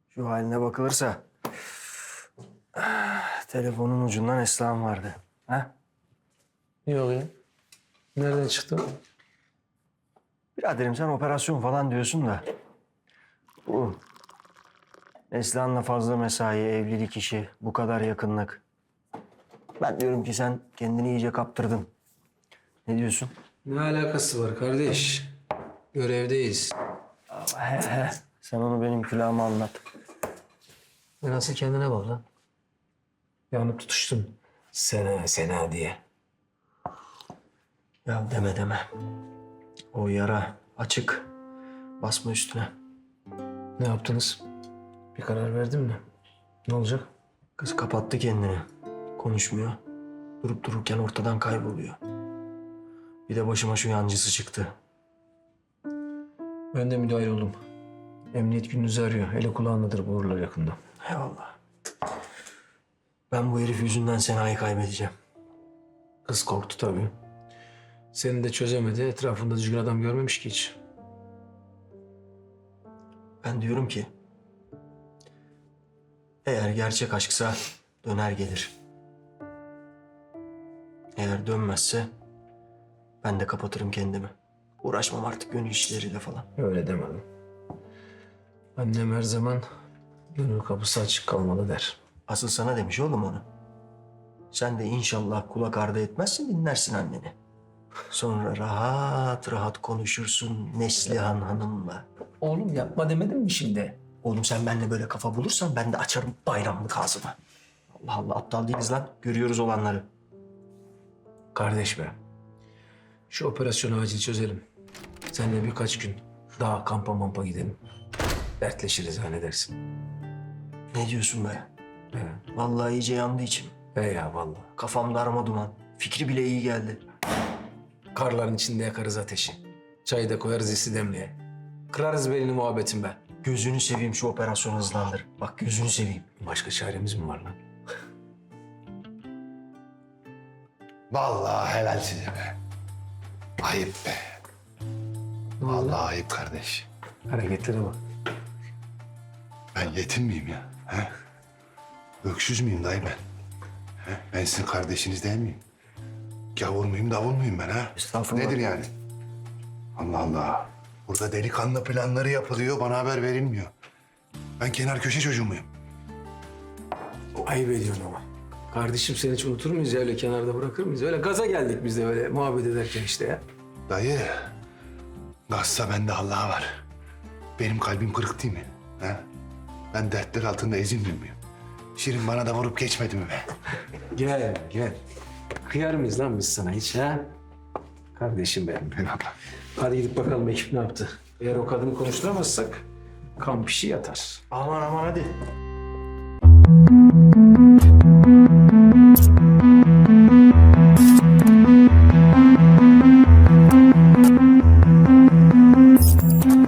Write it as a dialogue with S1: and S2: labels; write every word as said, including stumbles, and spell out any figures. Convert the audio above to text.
S1: Şu haline bakılırsa ah, telefonun ucundan Esra'm vardı. Ha?
S2: Yok ya. Nereden çıktı?
S1: Biraderim sen operasyon falan diyorsun da bu Neslihan'la fazla mesai, evlilik işi, bu kadar yakınlık. Ben diyorum ki sen kendini iyice kaptırdın. Ne diyorsun?
S2: Ne alakası var kardeş? Görevdeyiz.
S1: He he. Sen onu benim külahıma anlat.
S2: E nasıl kendine bak lan? Yanıp tutuştun. Sena, Sena diye.
S1: Ya deme deme. O yara açık. Basma üstüne.
S2: Ne yaptınız? Bir karar verdin mi? Ne olacak?
S1: Kız kapattı kendini. Konuşmuyor. Durup dururken ortadan kayboluyor. Bir de başıma şu yancısı çıktı.
S2: Ben de müdahil oldum. Emniyet gününüzü arıyor. Ele kulağındadır bu uğurlar yakında.
S1: Eyvallah. Ben bu herif yüzünden Sena'yı kaybedeceğim.
S2: Kız korktu tabii. Seni de çözemedi. Etrafında düzgün adam görmemiş ki hiç.
S1: Ben diyorum ki... eğer gerçek aşksa döner gelir. Eğer dönmezse ben de kapatırım kendimi. Uğraşmam artık gönül işleriyle falan.
S2: Öyle demedim. Annem her zaman gönül kapısı açık kalmalı der.
S1: Asıl sana demiş oğlum onu. Sen de inşallah kulak ardı etmezsin, dinlersin anneni. Sonra rahat rahat konuşursun Neslihan Hanım'la.
S2: Oğlum yapma demedim mi şimdi?
S1: Oğlum sen benimle böyle kafa bulursan ben de açarım bayramlık ağzımı. Allah Allah, aptal değiliz lan. Görüyoruz olanları.
S2: Kardeş be. Şu operasyonu acil çözelim. Seninle birkaç gün daha kampa mampa gidelim. Dertleşiriz ha, ne dersin?
S1: Ne diyorsun be?
S2: He.
S1: Vallahi iyice yandı içim.
S2: He ya vallahi.
S1: Kafam darma duman. Fikri bile iyi geldi.
S2: Karların içinde yakarız ateşi. Çayı da koyarız isi demliğe. Kırarız belini muhabbetin be.
S1: Gözünü seveyim şu operasyonu hızlandır. Bak gözünü seveyim.
S2: Başka çaremiz mi var lan?
S3: Vallahi helal size be. Ayıp be. Vallahi ayıp kardeş.
S2: Hareketlere bak.
S3: Ben yetim miyim ya? He? Öksüz müyüm dayı ben? He? Ben sizin kardeşiniz değil miyim? Gavur muyum, davul muyum ben ha?
S1: Estağfurullah.
S3: Nedir yani? Allah Allah. Burada delikanlı planları yapılıyor, bana haber verilmiyor. Ben kenar köşe çocuğu muyum?
S2: Ayıp ediyorsun ama. Kardeşim seni hiç unutur muyuz ya, öyle kenarda bırakır mıyız? Öyle gaza geldik biz de böyle muhabbet ederken işte ya.
S3: Dayı, gazsa bende Allah var. Benim kalbim kırık değil mi? He? Ben dertler altında ezilmiyor muyum? Şirin bana da vurup geçmedi mi be?
S2: Gel gel. Kıyar mıyız lan biz sana hiç ha? Kardeşim benim.
S3: Eyvallah.
S2: Hadi gidip bakalım ekip ne yaptı. Eğer o kadını konuşturamazsak kamp işi yatar.
S1: Aman aman hadi.